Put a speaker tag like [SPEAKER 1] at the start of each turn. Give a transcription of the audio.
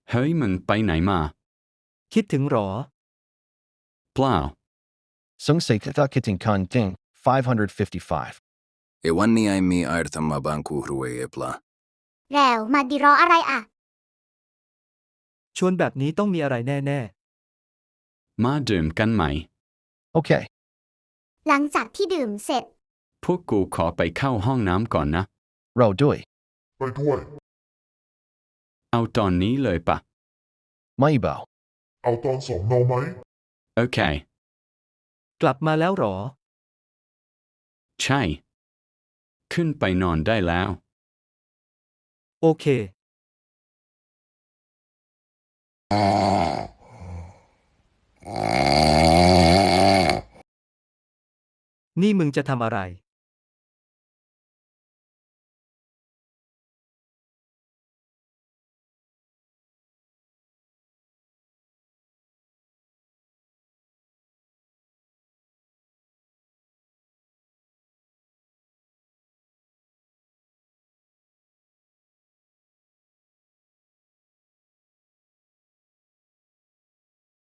[SPEAKER 1] เฮ้ยมึงไปไหนมา
[SPEAKER 2] คิดถึงหรอ
[SPEAKER 1] เปล่า
[SPEAKER 3] Sungsei Kithin Kan Ding, 555.
[SPEAKER 4] Ewanni aimi airtama banku hrue epla.
[SPEAKER 5] แล้วมาดีรออะไรอ่ะ
[SPEAKER 2] ชวนแบบนี้ต้องมีอะไรแน่
[SPEAKER 1] มาดื่มกันไหม
[SPEAKER 3] Okay.
[SPEAKER 5] หลังจากที่ดื่มเสร็จ
[SPEAKER 1] พวกกูขอไปเข้าห้องน้ำก่อนนะ
[SPEAKER 3] Ro Dui.
[SPEAKER 6] ไปด้วย
[SPEAKER 1] เอาตอนนี้เลยปะ
[SPEAKER 3] Maibo.
[SPEAKER 6] เอาตอน2เอาไหม
[SPEAKER 1] โอเค
[SPEAKER 2] ๆ กลับมาแล้วหรอ
[SPEAKER 1] ใช่ ขึ้นไปนอนได้แล้ว
[SPEAKER 2] โอเค นี่มึงจะทำอะไร